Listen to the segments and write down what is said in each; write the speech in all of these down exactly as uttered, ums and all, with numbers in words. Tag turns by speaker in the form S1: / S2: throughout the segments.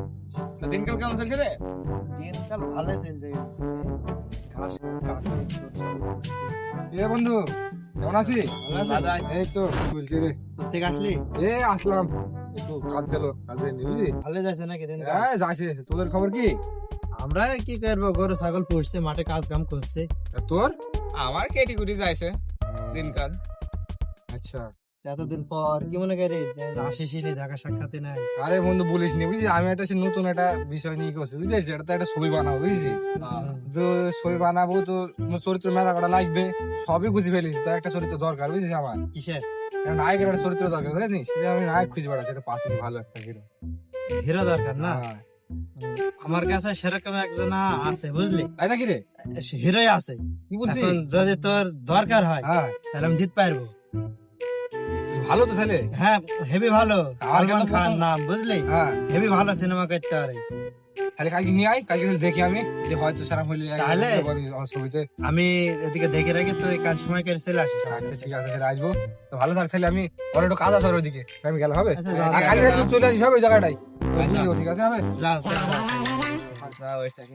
S1: দিনকাল কেমন চলছে রে?
S2: দিনকাল ভালোই চলছে। ঘাস কাটছে,
S1: এ বন্ধু কেমন আছিস?
S2: ভালো আছি।
S1: এই তো চলছে রে।
S2: কোথেকে আসলি?
S1: এ আসলাম একটু কাজ ছিল, কাজে নি বুঝলি?
S2: ভালো যাচ্ছে নাকি দিনকাল?
S1: হ্যাঁ যাচ্ছে। তোদের খবর কি?
S2: আমরা কি করবো, গরু ছাগল পুষছে, মাঠে কাজ কাম করছে।
S1: আর তোর?
S3: আমার কেটি কুটি যাইছে দিনকাল।
S1: আচ্ছা।
S2: এতদিন পর কি মনে করি আসিস দেখা সাক্ষাৎ নাই।
S1: আরে বন্ধু বলিস নি বুঝলি, আমি একটা সে নতুন একটা বিষয় নিয়ে করছি বুঝছিস, এটা তো একটা ছবি বানাবো বুঝছিস। তো ছবি বানাবো তো চরিত্র মেলা করা লাগবে, সবই বুঝে ফেলিস, তো একটা চরিত্র দরকার বুঝছিস আমার।
S2: কিসের?
S1: একটা নায়কের একটা চরিত্র দরকার বুঝলি, সেটা আমি নায়ক খুঁজে বেড়াচ্ছি, একটা পাশে ভালো একটা হিরো।
S2: হিরো দরকার না?
S1: হ্যাঁ।
S2: আমার কাছে সেরকম একজন আছে বুঝলি,
S1: তাই নাকি রে?
S2: হিরোই আছে।
S1: কি বলছিস?
S2: এখন যদি তোর দরকার হয়
S1: হ্যাঁ
S2: তাহলে আমি দিতে পারবো।
S1: ভালো তো তাহলে।
S2: হ্যাঁ হেভি ভালো,
S1: আমার
S2: সালমান
S1: কাছে
S2: খান
S1: প্রথম-
S2: নাম বুঝলি,
S1: হ্যাঁ
S2: হেভি ভালো সিনেমা করতে পারে।
S1: তাহলে কালকে নিয়ে আয়, কালকে তাহলে দেখি আমি যে হয়তো সারা হইলে
S2: তাহলে?
S1: আমার ছবিতে।
S2: আমি এদিকে দেখে রাখি, তুই কাল সময় করে চলে আসিস আমার
S1: আচ্ছা
S2: কাছে।
S1: ঠিক আছে, তাহলে আসবো। তো ভালো থাক তাহলে, আমি ওর একটু কাজ আছে ওর ওইদিকে, আমি গেলে হবে?
S2: আচ্ছা, যা,
S1: আর
S2: যা,
S1: কালকে
S2: যা।
S1: তুই চলে আসিস হবে ওই জায়গাটাই।
S2: আচ্ছা।
S1: বুঝলি, ঠিক আছে হবে?
S2: যা যা, যা।
S3: যা ওইটাকে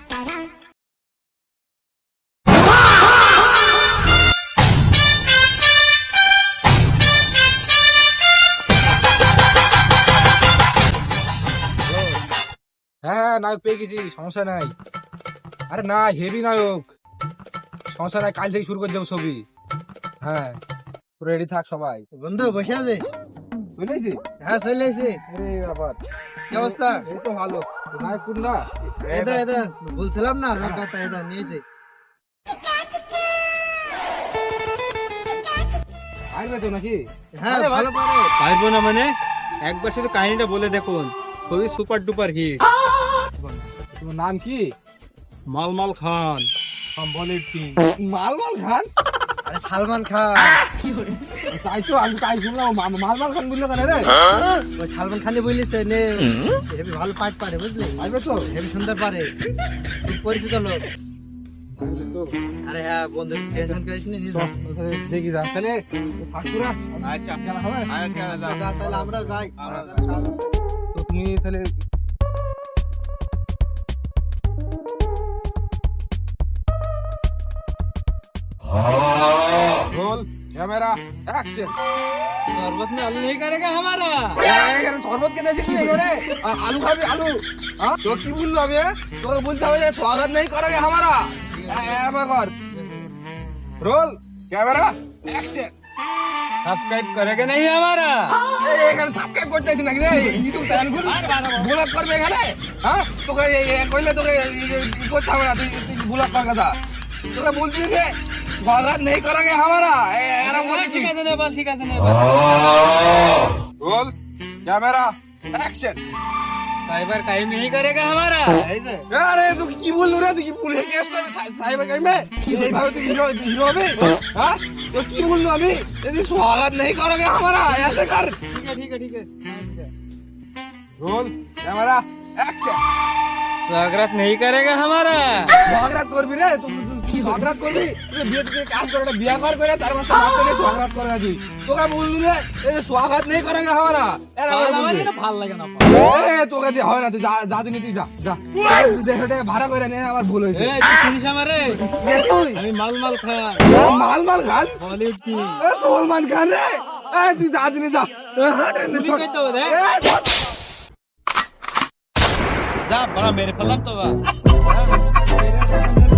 S1: হ্যাঁ হ্যাঁ নায়ক পেয়ে গেছি, সমস্যা নাই। আরে না হেভি নায়ক, সমস্যা নাই, কাল থেকে শুরু করে দেবো ছবি। হ্যাঁ রেডি থাক সবাই।
S2: বন্ধু বসে আছিস?
S1: চলে এসেছি?
S2: হ্যাঁ চলে এসেছি।
S1: আরে ব্যাপার,
S2: কি অবস্থা?
S1: এই তো ভালো। তো নায়ক কোন না?
S2: এদা এদা বলছিলাম না তোর কথা, এদা নিয়েছি।
S1: আসবে তো নাকি?
S2: হ্যাঁ ভালো পারে।
S3: পারবো না মানে একবার শুধু কাহিনীটা বলে দেখুন, ছবি সুপার ডুপার হিট।
S1: তোমার নাম কি?
S3: মালমাল খান।
S1: বলিউড কিং মালমাল খান।
S2: আরে সালমান খান।
S1: তাই তো আমি তাই শুনলাম, মা- মালমাল খান বললো কেন রে?
S2: ওই সালমান খানই বলিছে নে, হেবি ভালো পাঠ পারে বুঝলি,
S1: আসবে তো?
S2: হেবি সুন্দর পারে, খুব পরিচিত লোক।
S1: আসবে তো?
S2: আরে হ্যাঁ বন্ধু টেনশন করিস নি, নিস।
S1: চল, তাহলে দেখি যা তাহলে ঠাকুরা
S3: আচ্ছা
S1: জানা হবে।
S3: আচ্ছা যা
S2: যা তাহলে আমরা যাই।
S3: আমরা
S1: তো তুমি তাহলে रोल कैमरा एक्शन।
S3: शरबत में आलू नहीं करेगा हमारा।
S1: এখানে শরবত খেতে এসেছি এখানে, আ- আলু খাবি আলু? হ্যাঁ তো কি বললো আমি? তোকে বলতে হবে যে স্বাগত नहीं करोगे हमारा। এবার কর রোল ক্যামেরা অ্যাকশন।
S3: सब्सक्राइब करेगा नहीं हमारा।
S1: এখানে সাবস্ক্রাইব করতে আছিস নাকি রে? ইউটিউব চ্যানেল খুল, ব্লগ করবে এখানে। হ্যাঁ তোকে এই- এই কইলে তোকে এই- এই- ই করতে হবে না, তুই তুই ব্লগ কর কথা। তোকে বলছি যে স্বাগত नहीं करोगे हमारा। এ- এরকম করে
S3: ठीक है ने बस ठीक है ने
S1: roll camera action.
S3: Cyber crime नहीं करेगा हमारा ऐसे।
S1: আরে তুই কি বললি রে? তুই কি পুলিশে কেস করবি সাইবার ক্রাইমে? এইভাবে তুই হিরো হিরো হবে? হ্যাঁ তো কি বললো আমি? যদি স্বাগত नहीं करोगे हमारा ऐसे कर।
S3: ठीक है ठीक है ठीक है
S1: रोल कैमरा एक्शन।
S3: स्वागत नहीं करेगा हमारा।
S1: ঝগড়া করবি রে? তুই তুই কি ঝগড়া করবি? তুই বিয়ে থেকে কাজ করে একটা বিয়ে কর করে চার পাঁচটা বাচ্চা নিয়ে ঝগড়া করে না তুই। তোকে বললু রে এই যে স্বাগত नहीं करेगा हमारा। এর আবার বলবি।
S3: ভাল লাগে না।
S1: এ তোকে দিয়ে হবে না, তুই যা যা দিনি তুই যা যা। তুই দেহটাকে ভাড়া করে নে, আমার ভুল হয়েছে।
S3: এই তুই শুনিস আমারে?
S1: এ তুই
S3: আমি মালমাল খান,
S1: মাল মাল খান?
S3: বলিউড কি
S1: এ সলমান খান রে? এ তুই যা দিনি যা। এ হাট রে,
S3: তুই কই তো রে?
S1: এ, ধর।
S3: যা বড় মেরে ফেললাম তো বা